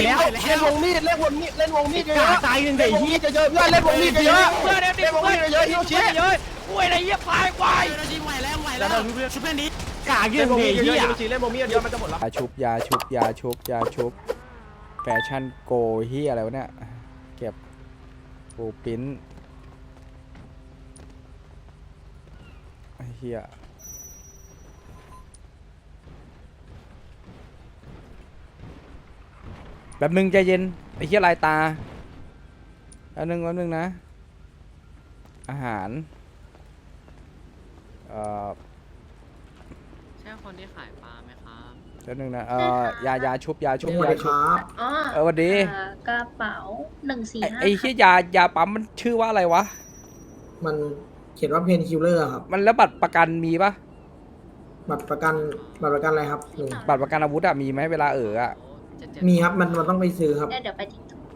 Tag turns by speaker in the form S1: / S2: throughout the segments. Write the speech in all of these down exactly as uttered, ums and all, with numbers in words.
S1: แล้วเล่นวงมีดเล่นวงมีดเล่นวงมีดเยอะๆตายหนึ่งเดี๋ยวที่เยอะๆเพื่อนเล่นวงมีดเยอะๆเพื่อนเล่นวงมีดเยอะๆฮิโรชิเยอะๆกูอะไรเหี้ยควายควายไหวแล้วไหวแล้วชุบเพื่อนนี้กากยืนวงมีดเยอะๆฮิโรชิเล่นวงมีดเยอะมันจะหมดแล้ว
S2: ยาชุบยาชุบยาชุบยาชุบแฟชั่นโกเฮียอะไรวะเนี่ยเก็บปูปิ้นไอ้เฮียแบบนึงใจเย็นไอ้เฮียลายตาแล้วนึงแล้วนึงนะอาหารเอ่อ
S3: ใช่คนที่ขายปลาไหมครับ
S2: แล้วนึงนะเอ่อยายาชุบยาชุบ
S4: สวัส
S2: ยา
S4: ดีค
S2: ชุบ
S4: รับ
S5: อ๋อ
S2: เออสวัสดี
S5: เอ่อกระเป๋าหนึ่งสี่
S2: ไอ้
S5: ห้า
S2: ไอ้เฮียยายาปั๊มมันชื่อว่าอะไรวะ
S4: มันเขียนว่าเพนคิลเลอร์ครับ
S2: มันแล้วบัตรประกันมีปะ
S4: บัตรประกันบัตรประกันอะไรครับลุง
S2: บัตรประกันอาวุธอะมีไหมเวลาเอออะ
S4: มีครับมันมันต้องไปซื้อครับ
S5: เดี๋ยวเดี๋ยวไปทิ้งถุง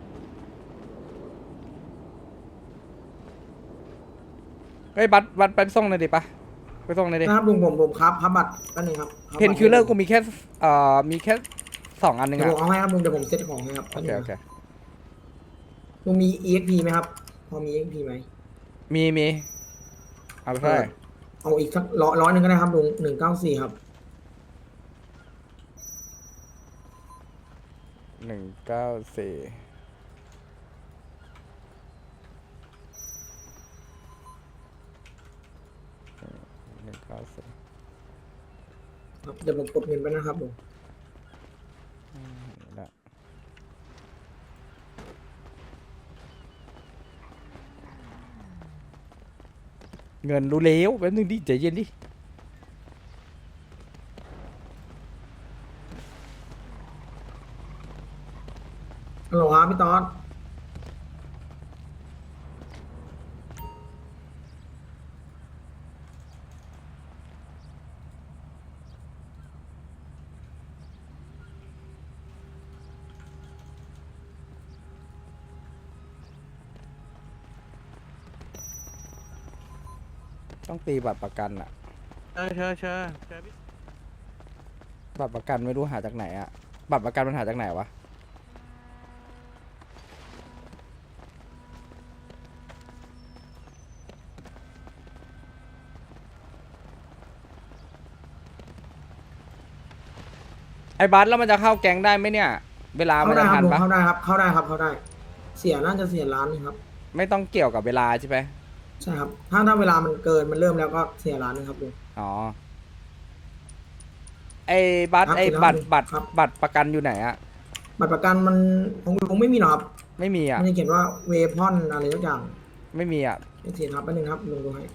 S2: เฮ้ยบัตรบัตรไปส่งหน่อยดิปะไปส่งหน่อยดิ
S4: นะครับลุงผมผมครับครับบัตรก็หนึ่งครับรับ
S2: เพนคิลเลอร์กูมีแค่เอ่อมีแค่สองอันหนึง
S4: เดี๋ยว
S2: อะ
S4: ผมเอาให้ครับลุงเดี๋ยวผมเซ็ตของให้ครับ
S2: โอเคโอเค
S4: ลุงมี อี เอ็กซ์ พี ไหมครับพอมี อี เอ็กซ์ พี ไหม
S2: มีมีเอาไปเท่าไหร่
S4: เอาอีกสักร้อยร้อยหนึ่งก็ได้ครับลุงหนึ่งเก้าสี่ครับ
S2: หนึ่งเก้าสี่หนึ่งเก้าสี่
S4: ครับเดี๋ยวผมกดเงินไปนะครับลุง
S2: เงินรู้แล้วแป๊บนึงดิใจเย็นดิ
S4: ฮัลโหลครับพี่ต๊อด
S2: ต้องตีบัตรประกันอะ
S1: เออเชิญเชิญเชิญ
S2: บัตรประกันไม่รู้หาจากไหนอะบัตรประกันมันหาจากไหนวะไอ้บัตรแล้วมันจะเข้าแก๊งได้ไหมเนี่ย เวลามัน
S4: เข้าได้
S2: จะ
S4: ครั
S2: ทั
S4: บ
S2: น
S4: ลุง
S2: ปะ
S4: เข้าได้ครับเข้าได้ครับเข้าได้ เสียน่าจะเสียล้านหนึงครับ
S2: ไม่ต้องเกี่ยวกับเวลาใช่ไหม
S4: ใช่ครับถ้าถ้าเวลามันเกินมันเริ่มแล้วก็เสียล้านหนึงครับลุง
S2: อ๋อไอ้บัตร
S4: ครับ
S2: ไอ้
S4: เสร็จแล้ว
S2: บัตรบัตร
S4: ครับ
S2: บัตรประกันอยู่ไหนอะ
S4: บัตรประกันมันของลุงไม่มีหรอครับ
S2: ไม่มีอะ
S4: มันจะเขียนว่าเวพอนอะไรทุกอย่าง
S2: ไม่มีอะ
S4: ไม่เสียครับแป๊บนึงครับลุงดูให้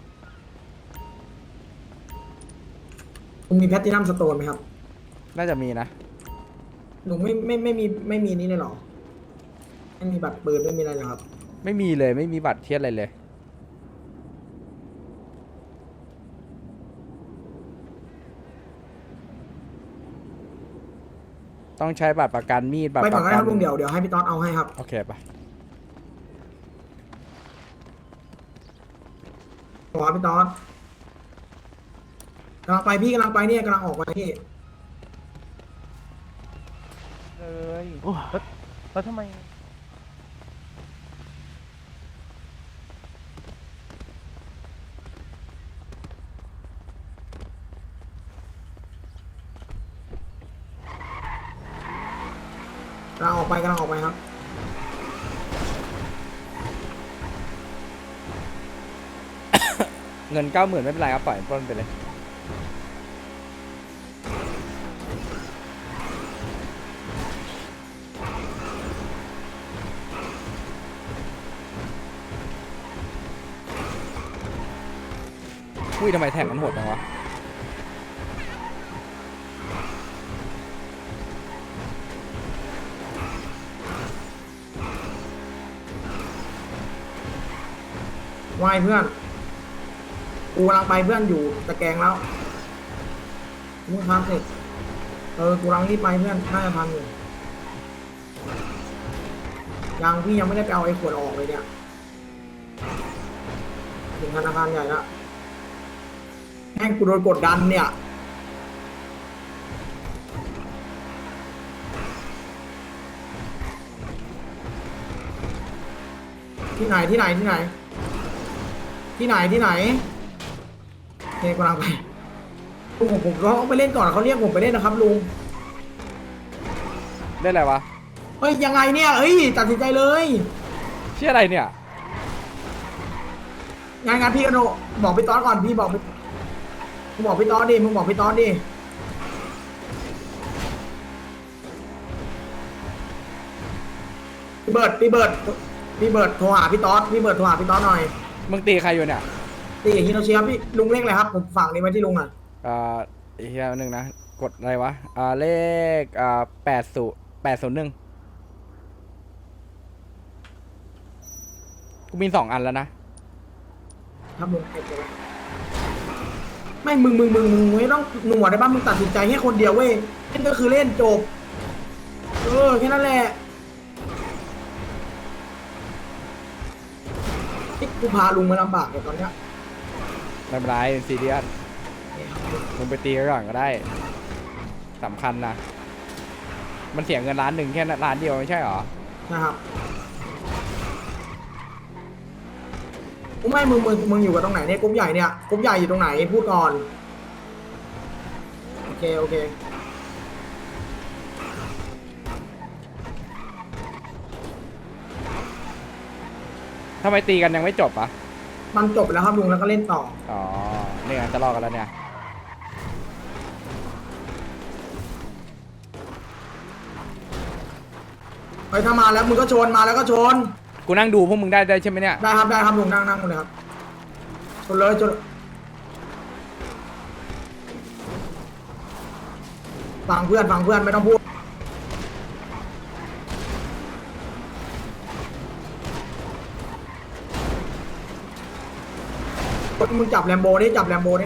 S4: ลุงมีแพตตินัมสโตนไหมครับ
S2: น่าจะมีนะ
S4: ลุงไม่ไม่ไม่มีไม่มีนี่เลยเหรอไม่มีบัตรปืนไม่มีอะไรเหรอครับ
S2: ไม่มีเลยไม่มีบัตรเทียสอะไรเลย ต้องใช้บัตรประกันมีดบัตร
S4: ไป
S2: ป
S4: ก่อน
S2: ระ
S4: ก็ได้
S2: กั
S4: ครับลุงเดี๋ยวเดี๋ยวให้พี่ต๊อดเอาให้ครับ
S2: โอเคปะ
S4: ขอพี่ต๊อดกำลังไปพี่กำลังไปเนี่ยกำลังออกไปพี่
S2: เลย
S1: โอ้แล้วแล้วทำไม
S4: กำลังออกไปกำลังออกไปครับ
S2: เงินเก้าหมื่นไม่เป็นไรครับปล่อยปล้นไปเลยอุ้ยทำไมแท็กมันโหดจังวะ
S4: ไหวเพื่อน กูกำลังไปเพื่อนอยู่ตะแกรงแล้วมึงทำเสร็จ เออ กูกำลังรีบไปเพื่อน น่าจะทันอยู่ ยังพี่ยังไม่ได้ไปเอาไอ้ขวดออกเลยเนี่ยถึงธนาคารใหญ่ละแม่งกูโดนกดดันเนี่ยที่ไหนที่ไหนที่ไหน ที่ไหนที่ไหนเฮ้ยกำลังไปลุงผมผมเขาไปเล่นก่อนเขาเรียกผมไปเล่นนะครับลุง
S2: ได้อะไรวะ
S4: เฮ้ยยังไงเนี่ยเฮ้ยตัดสินใจเลย
S2: เชื่ออะไรเนี่ย
S4: งานงานพี่กโนบอกพี่ตอนก่อนพี่บอกพี่มึงบอกพี่ตอนดิมึงบอกพี่ตอนดิพี่เบิร์ดพี่เบิร์ดพี่เบิร์ดโทรหาพี่ตอนพี่เบิร์ดโทรหาพี่ตอนหน่อย
S2: มึงตีใครอยู่เนี่ย
S4: ตีอย่างฮิโนชิครับพี่ลุงเลขอะไรครับผมฝากนี้ไว้ที่ลุงหน่อย
S2: อ่าอีกอย่างหนึ่งนะ กดอะไรวะ อ่า เลข อ่าแปดศูนย์แปดศูนย์หนึ่งกูมีสองอันแล้วนะ
S4: ครับลุงเก็บไว้ไม่มึงมึงมึงมึงไม่ต้องหนวดได้บ้างมึงตัดสินใจแค่คนเดียวเว้ยเล่นก็คือเล่นจบเออแค่นั้นแหละนี่กูพาลุงมาลำบากเลยตอนเนี้ย
S2: ไม่เป็นไรเป็นซีเรียสมึงไปตีกันก่อนก็ได้สำคัญนะ มันเสียเงินล้านหนึ่งแค่ล้านเดียวไม่ใช่หรอ
S4: นะครับกูไม่มึงมึงมึงอยู่กับตรงไหนเนี่ยกรุ๊ปใหญ่เนี่ยกรุ๊ปใหญ่อยู่ตรงไหนพูดก่อนโอเคโอเค
S2: ทำไมตีกันยังไม่จบอ่ะ
S4: มันจบแล้วครับลุงแล้วก็เล่นต่อ
S2: อ๋อเนี่ยจะรอกันแล้วเนี่ย
S4: ไปถ้ามาแล้วมึงก็ชนมาแล้วก็ชน
S2: กูนั่งดูพวกมึงได้ได้ใช่ไหมเนี่ย
S4: ได้ครับได้ครับลุงนั่งนั่งเลยครับชนเลยชนฟังเพื่อนฟังเพื่อนไม่ต้องพูดมึงจับแลมโบนี่จับแลมโบนี่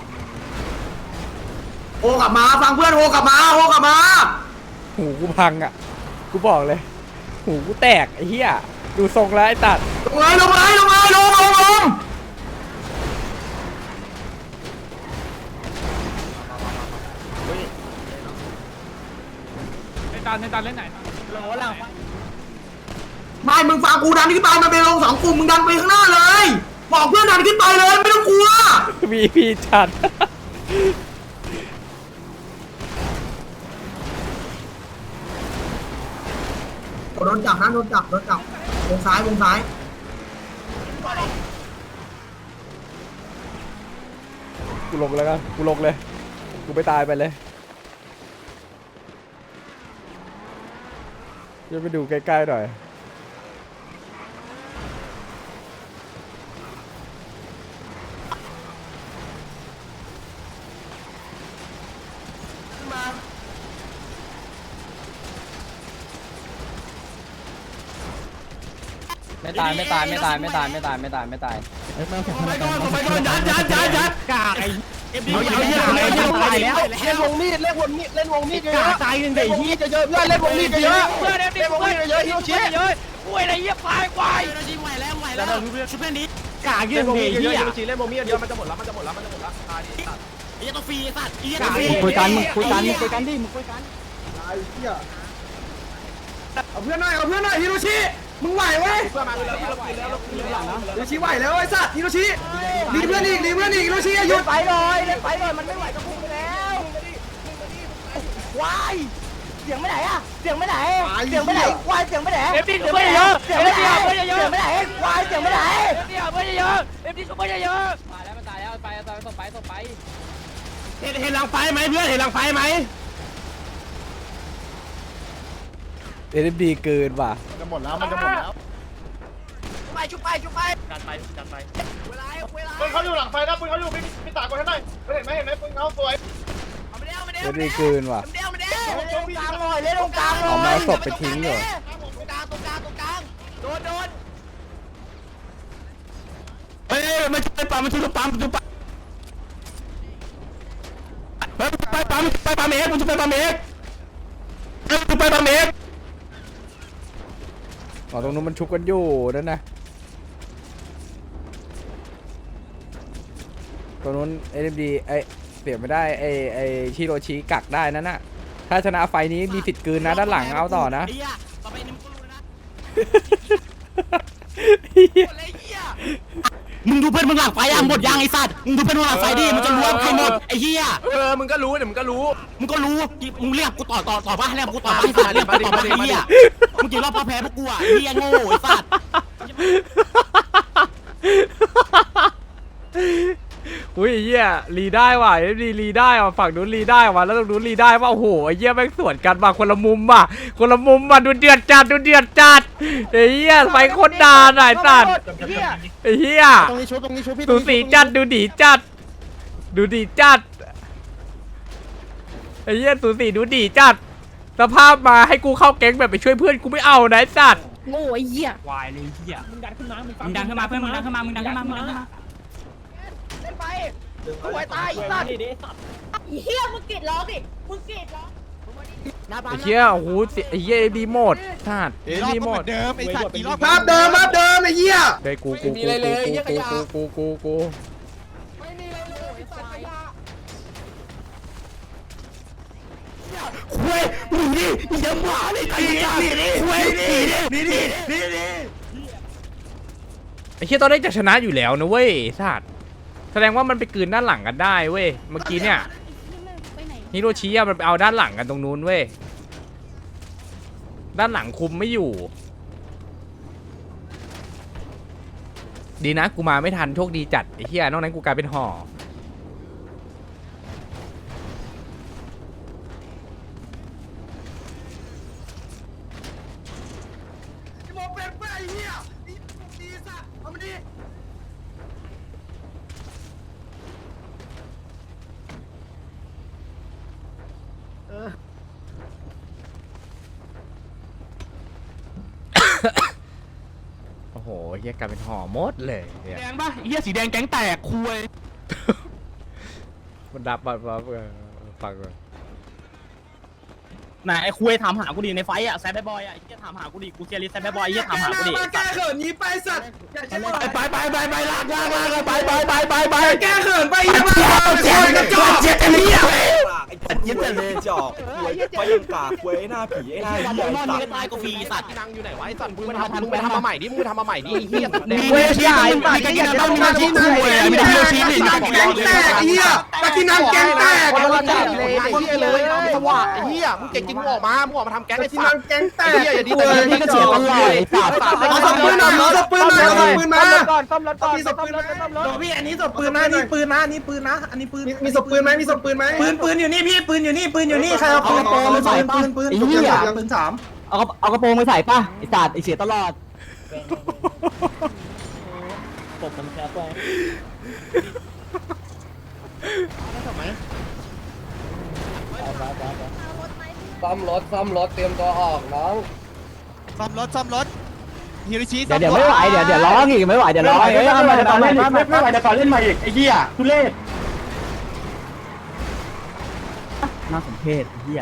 S4: โอกลับมาฟังเพื่อนโอกลับมาโอกลับมา
S2: หูกูพังอ่ะ กูบอกเลย หูกูแตกไอ้เหี้ย ดูทรงแล้วไอ้ตัด
S4: ลงเลยลงเลยลงเลยลงลงลง
S1: ในตาในตาเล่นไหนโหลหลัง
S4: ไม่มึงฟังกูดันขึ้นไปมันเป็นลงสองกลุ่มมึงดันไปข้างหน้าเลยบอกเพื่อนดันขึ้นไปเลยไม่ต้องกลัว
S2: วีพีจัด
S4: โดนจับนะโดนจับโดนจับวงซ้ายวงซ้าย
S2: กูลงแล้วกันกูลงเลย กูไปตายไปเลยจะไปดูใกล้ๆหน่อย
S6: ไม่ตายไม่ตายไม่ตายไม่ตายไม่ตายไม่ตายไม่ตาย
S1: ไปก่อนไปก่อนยัดยัดยัดยัดกากไอ้เอ็มดีเอาเหี้ยอะไรเหี้ยตายแล้วเล่นวงมีดเล่นวงมีดเล่นวงมีดเยอะตายหนึ่งเดี๋ยวเหี้ยเยอะเพื่อนเล่นวงมีดเยอะเพื่อนเล่นวงมีดเยอะฮิโรชิเยอะกูไอ้ไรเหี้ยควายควายไหวแล้วไหวแล้วชุบเพื่อนนี้กากยืนเหี้ยฮิโรชิเล่นวงมีดเยอะมันจะหมดแล้วมันจะหมดแล้วมันจะหมดแล้วตายดิสัตว์ไอ้เหี้ยต้องฟรีสัตว์ไอ้เหี้ยต้องฟรี
S6: คุยกันมึงคุยกันมึงคุยกันดิมึงคุยกัน
S4: เอาเพื่อนหน่อยเอาเพื่อนหน่อยฮิโรชิมึงไหวเว้ย
S1: เพื่อนมาแล้วเรากินแล้วเรากินแล้วนะ
S4: ฮิโรชิไหวแล้วไอ้สัตว์ฮิโรชิดีเพื่อนอีกดีเพื่อนอีกฮิโรชิหยุด
S6: ไปเลยเล่นไปเลยมันไม่ไหวก็พุ่งไปแล้ววายเสียงไม่ไหนอะเสียงไม่ไหนเสียงไม่ไหนวายเสียงไม่ไหน
S1: เอ็มดีชุบเพื่อนเยอะ
S6: เสียง
S1: เอ็
S6: ไม่
S1: ม
S6: ไหน
S1: ดีเพื่อนเยอะ
S6: เสียงไม่ไหนวายเสียงไม่ไหน
S1: เอ็มดีเพื่อนเยอะเอ็มดีชุบเพื่อนเยอะ
S6: ตายแล้วมันตายแล้วไปตายต่อไปต่อไป
S1: เห็นเห็นหลังไฟไหมเพื่อนเห็นหลังไฟไหม
S2: เอ็มดีเกินว่ะ
S1: จะหมดแล้วมันจะหมดแล้ว
S6: ไปชุบไปชุบไป
S1: ดันไปดันไป
S6: เวลาเวลา
S7: ปืนเขาอยู่หลังไฟนะปืนเขาอยู่พี่พี่ตากคนให้หน่อยเห็นไหมเห็นไหมปืนเขาสวย
S6: เอาไปเดียวไปเดียว
S2: เอ็มดีเกินว่ะ
S6: เดียวไปเดียวเล่นตรงกลางหน่อยเล่นตรงกลางหน่อย
S2: เอาไม้ศพไปทิ้งเหรอ
S6: ตรงกลางตรงกลางตรงกลางโดนโดน
S1: เฮ้ยมันช่วยปั๊มมันช่วยปั๊มช่วยปั๊มไปไปปั๊มไปปั๊มเอกมันช่วยไปปั๊มเอกไปปั๊มเอก
S2: อ๋อตรงนู้นมันชุบกันอยู่นั่นนะตรงนู้นเอ็มดีไอเสียไม่ได้ไอไอชิโรชิกักได้นั่นน่ะถ้าชนะไฟนี้มีสิทธิ์คืนนะด้านหลังเอาต่อนะ
S1: ต่อไปนี่มึงก็รู้นะมึงดูเพื่อนมึงหลังไฟอ่ะหมดยางไอ้สัตว์มึงดูเพื่อนมึงหลังไฟดิมันจะรวมใครหมดไอ้เหี้ยเออมึงก็รู้เดี๋ยวมึงก็รู้มึงก็รู้มึงเรียกกูต่อต่อต่อป่ะให้เรียกกูต่อป่ะไอ้สัตว์เรียกกูต่อป่ะไอ้เหี้ยมึงกี่รอบพอแพ้พวกกูอ่ะไอ้เหี้ยโง่ไอ้สัตว์
S2: อุ้ยไอ้เหี้ยรีได้ว่ะรีรีได้ว่ะฝั่งนู้นรีได้ว่ะแล้วตรงนู้นรีได้ว่ะโอ้โหไอ้เหี้ยแม่งสวนกันว่ะคนละมุมว่ะคนละมุมว่ะดูเดือดจัดดูเดือดจัดไอ้เหี้ยไฟโคตรด่าหน่อยสัตว์ไอ้เหี้ย
S1: ตรงนี้ชุบตรงนี้ชุบพี่
S2: ดูสีจัดดูดีจัดดูดีจัดไอ้เหี้ยสูสีดูดีจัดสภาพมาให้กูเข้าแก๊งแบบไปช่วยเพื่อนกูไม่เอานะไอ้สัตว์
S5: โง่ไอ้เหี้ยว
S1: ายเลยเหี้ยมึงดันขึ้นมามึงดันขึ้นมาเพื่อนมึงดันขึ้นมามึงดันขึ้นมามึงดันขึ้นมา
S6: เล่นไปสวยตายอีสัตว์
S5: ไอ้เหี้ยมึงกรีดร้องดิมึงกรีดร้อง
S2: ไอ้เหี้ยโอ้โหไอ้เหี้ยดีหมดสัตว์ดีหมด
S1: เดิมไอ้สัตว์กี่รอบ
S4: ภาพเดิมภาพเดิมไอ้เหี้ย
S2: เฮ้ยกูกูกูกูกูกูกูกู
S1: คุยมึงดิมึงจะบ้าเลยไอ้เหี้ยคุยนี่นี่นี่นี่นี่
S2: ไอ้เหี้ยตอนนี้จะชนะอยู่แล้วนะเว้ยสัตว์แสดงว่ามันไปกลืนด้านหลังกันได้เว้ยเมื่อกี้เนี่ย
S5: ไปไหน
S2: ฮิโรชิอะมันไปเอาด้านหลังกันตรงนู้นเว้ยด้านหลังคุมไม่อยู่ดีนะกูมาไม่ทันโชคดีจัดไอ้เหี้ยนอกนั้นกูกลายเป็นห่อโอ้โหเหี้ยกลายเป็นห่อหมดเลยเนี่ย
S1: แดงป่ะเหี้ยสีแดงแก๊งแตกคุย
S2: มันดับแบบว่าฟังก่อน
S1: ไหนไอ้คุยถามหากูดิในไฟอ่ะแซดบอยอ่ะไอ้เหี้ยถามหากูดิกูเซียริสแซดบอยไอ้เหี้ยถามหากูดิ
S4: แก้เขินนี้ไปสัตว์
S1: ไปไปไปไปลากลากลากไปไปไปไปไป
S4: แก้เขินไปเหี้ยมาเจ็บกระจอก
S1: เจ็บกันเหี้ย
S8: ไอ้เหี้ยเลยจอกควยไฟยังกากควยไอ้หน้าผีไอ้หน้า
S1: วัน
S8: เหี้ย
S1: มอน
S8: ไอ้
S1: มึ
S8: สั
S1: ง
S8: ตว์
S1: ตายกูฟรีสัตว์
S6: นั่งอยู่ไหนวะไอ้สัตว์มึงไปทำมึงไปทำมาใหม่ดิมึงไปทำมาใหม่ดิเฮีย
S1: มีเวชีมีกันกินน้ำมีชีคุยมีเวชีมี
S4: นังแกงแตกเหี้ยตะกี้นังแกงแตก
S6: คนละจัดเลยไอ้เฮียเลยสว่างไอ้เฮียมึงเก่งจริงมึงออกมามึงออกมาทำแก๊ง
S4: ตะ
S6: ไอ้
S4: กี้
S6: สั
S4: นั
S6: ต
S4: ง
S6: ว์
S4: แกงแต
S6: ไอ้
S4: ก
S6: เฮียอย่าดีแต่นี่ก็เฉียบตลอดไอ้สัตว์
S4: เอาศพปืนหน่อยเอาศพปืนหน่อยเอาศพปืนมา
S6: ก่อนซ่อมรถก่อน
S4: มีศ
S6: ซ่อ
S4: พ
S6: ม
S4: ปืน
S6: ร
S4: ไหม
S6: ถซ่อมรถ
S4: พี่อันนี้ศพปืนนะนี่ปืนนะนี่ปืนนะอันนี้ปืนมีศพปืนไหมมีศพปืนไหมปืนปืนอยู่นี่พี่ปืนอยู่นี่ปืนอยู่นี่ใครเอาปืนปืนปืนปืนปืนปืนสาม
S6: เอาเอากระโปรงไปใส่ป่ะไอ้สัตว์ไอ้เสียตลอดตบมันแคบไป
S8: ซ่อมรถซ่อมรถเตรียมตัวออกน้อง
S1: ซ่อมรถซ่อมรถฮิริชิ
S6: เดี๋ยวเดี๋ยวไม่ไหวเดี๋ยวเดี๋ยวร้องอีกไม่ไหวเดี๋ยวร้องเฮ้ยทำไมตอนเล่นไม่ไม่ไหวเดี๋ยวตอนเล่นใหม่อีกไอ้เหี้ยทุเรศน่าสมเพชไอ้เหี้ย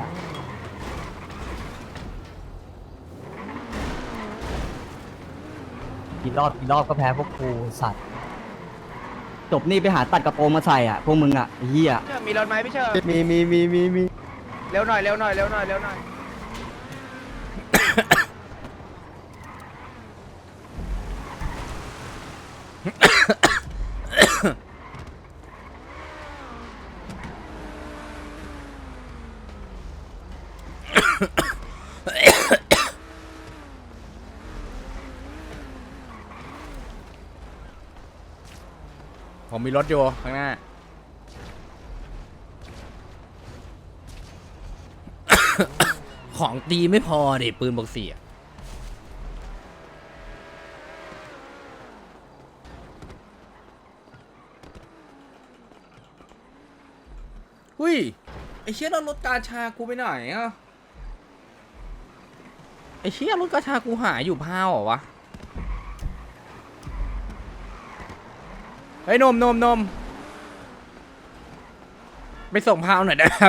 S6: กี่รอบกี่รอบก็แพ้พวกกูสัตว์จบนี่ไปหาตัดกระโปรงมาใส่อ่ะพวกมึงอ่ะไอ้เหี้ยมีรถไหมพี่เชิญ
S8: มีมีมีมีมี
S6: เร็วหน่อยเร็วหน่อยเร็วหน่อยเร็วหน่อย
S2: ผมมีรถอยู่ข้างหน้า ของตีไม่พอดิปืนบอกสี่อะหุ้ยไอเชี่ยรถกาชากูไปไหนอ่ะไอเชี่ยรถกาชากูหายอยู่พาวเหรอวะเฮ้ยนมนมนมไปส่งพาวหน่อยนะครับ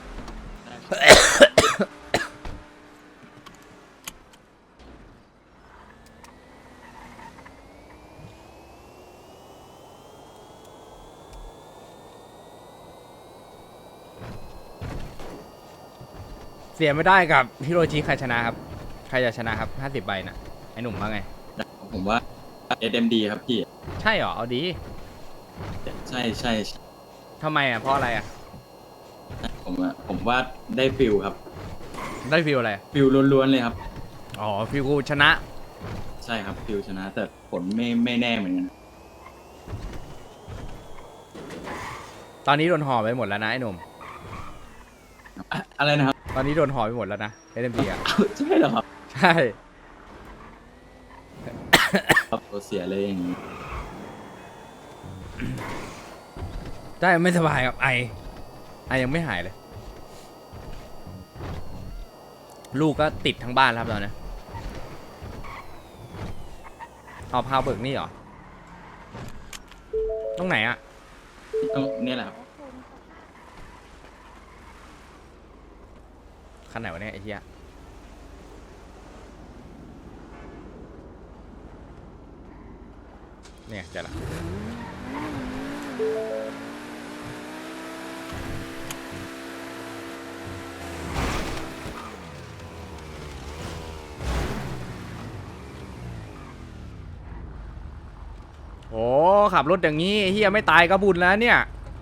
S2: เสียไม่ได้กับฮิโรชิใครชนะครับ ใครจะชนะครับห้าสิบใบนะไอหนุ่มว่าไง
S9: ผมว่าเอสเอ็มดีครับพี่
S2: ใช่เหรอเอาดี
S9: ใช่ใช่ใช่
S2: ทำไมอ่ะเพราะอะไรอ่ะ
S9: ผมอะผมว่าได้ฟิลครับ
S2: ได้ฟิลอะไร
S9: ฟิลล้วนๆเลยครับ
S2: อ๋อฟิลกูชนะ
S9: ใช่ครับฟิลชนะ แต่ผลไม่ไม่แน่เหมือนกัน
S2: ตอนนี้โดนห่อไปหมดแล้วนะไอ้หนุ่ม
S9: อะอะไรนะครับ
S2: ตอนนี้โดนห่อไปหมดแล้วนะเอ็มพีอ่ะ
S9: อ้าวใช่เหรอครับ
S2: ใช่
S9: ครับตัวเสียเลยอย่างนี้
S2: ได้ไม่สบายกับไอไอยังไม่หายเลย ลูกก็ติดทั้งบ้านแล้วครับตอนนี้เอาพาวเบิกนี่เหรอตรงไหนอ่ะ
S9: ต้องเนี่ยแหละครับ
S2: คันไหนวะเนี่ยไอ้เหี้ยเนี่ยเจอละโอ้ขับรถอย่างนี้ไอ้เหี้ยไม่ตายก็บุญแล้วเนี่ย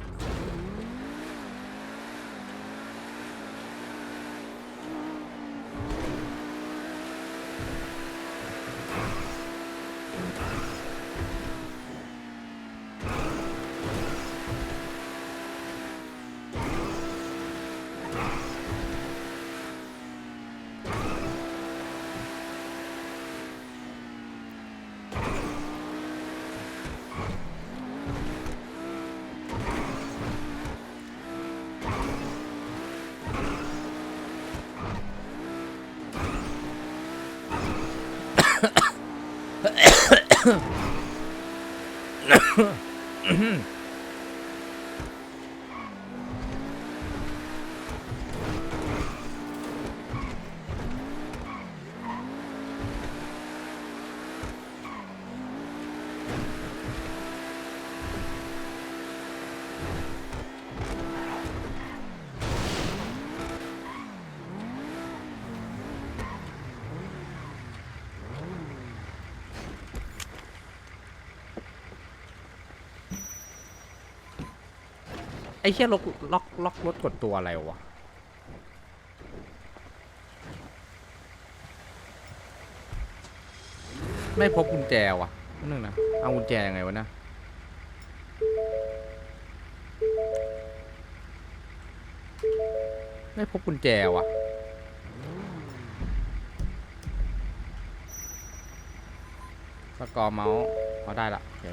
S2: ไอ้เหี้ยล็อกล็อกล็อกรถกดตัวอะไรวะไม่พบกุญแจวะนึงนะเอากุญแจยังไงวะนะไม่พบกุญแจวะสกอร์เมาส์เอาได้ละโอเค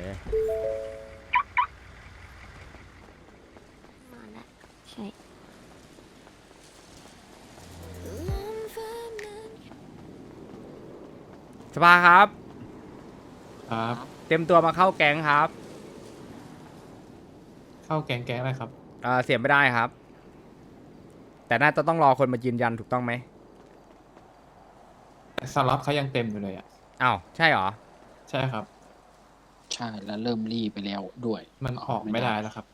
S5: ใช่
S2: สภาครับ
S10: ครับ
S2: เต็มตัวมาเข้าแก๊งครับ
S10: เข้าแกงแกงอะไรครับ
S2: เอ่อเสียไม่ได้ครับ แต่น่าจะต้องรอคนมายืนยันถูกต้องไหม
S10: สล็อตเขายังเต็มอยู่เลยอ่ะ
S2: อ้าวใช่เหรอ
S10: ใช่ครับ
S3: ใช่แล้วเริ่มรีไปแล้วด้วย
S10: มันออกไม่ได้แล้วครับ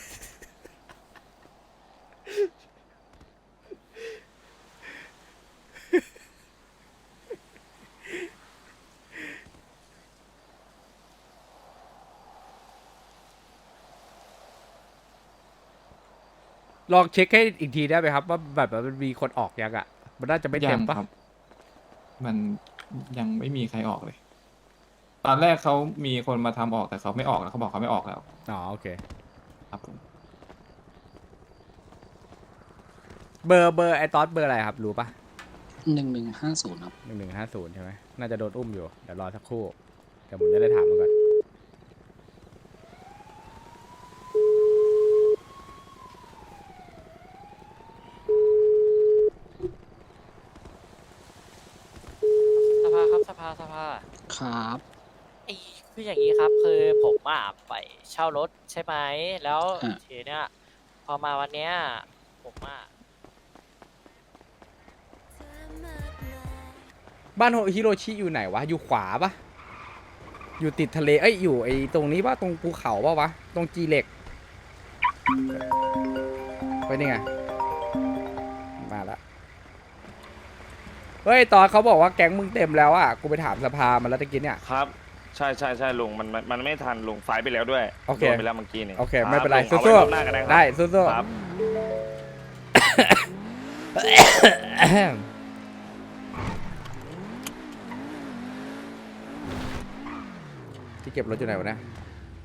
S2: ลองเช็คให้อีกทีได้ไหมครับว่าแบบมันมีคนออกยังอ่ะ มันน่าจะไม่เต็ม
S10: ยัง
S2: ปะ
S10: ครับ มันยังไม่มีใครออกเลย ตอนแรกเขามีคนมาทำออกแต่เขาไม่ออกแล้วเขาบอกเขาไม่ออกแล้ว
S2: อ๋อโอเค
S10: ครับผม
S2: เบอร์เบอร์ไอตอสเบอร์อะไรครับ รู้ปะ
S3: หนึ่งหนึ่งห้าศูนย์ครับ
S2: หนึ่งหนึ่งห้าศูนย์ใช่ไหมน่าจะโดนอุ้มอยู่ เดี๋ยวรอสักครู่ เดี๋ยวผมจะได้ถามมันก่อน
S6: สภาครับสภาสภา
S3: ครับ
S6: ไอ้คืออย่างนี้ครับคือผมอ่ะไปเช่ารถใช่ไหมแล้ว
S3: อ่ะ
S6: ทีเนี้ยพอมาวันเนี้ยผมอ่ะ
S2: บ้านโฮฮิโรชิอยู่ไหนวะ อยู่ขวาปะอยู่ติดทะเล เอ้ย อยู่ไอตรงนี้ปะตรงภูเขาปะวะ ตรงจีเหล็ก ไปนี่ไง มาละ เฮ้ย ตอนเขาบอกว่าแก๊งมึงเต็มแล้วอ่ะ กูไปถามสภามาแล้วตะกี้เนี่ย
S1: ครับใช่ใช่ใช่ลุงมันมันมันไม่ทันลุงไฟไปแล้วด้วย
S2: โอเค
S1: โดนไปแล้วเมื่อกี้นี่
S2: โอเคไม่เป็นไร
S1: คบ
S2: สู้
S1: เอาไว้รอบหน้ากันนะครับ
S2: ๆได้สู้
S1: ครับ
S2: ๆที่เก็บรถอยู่ไหนวะเนี่ย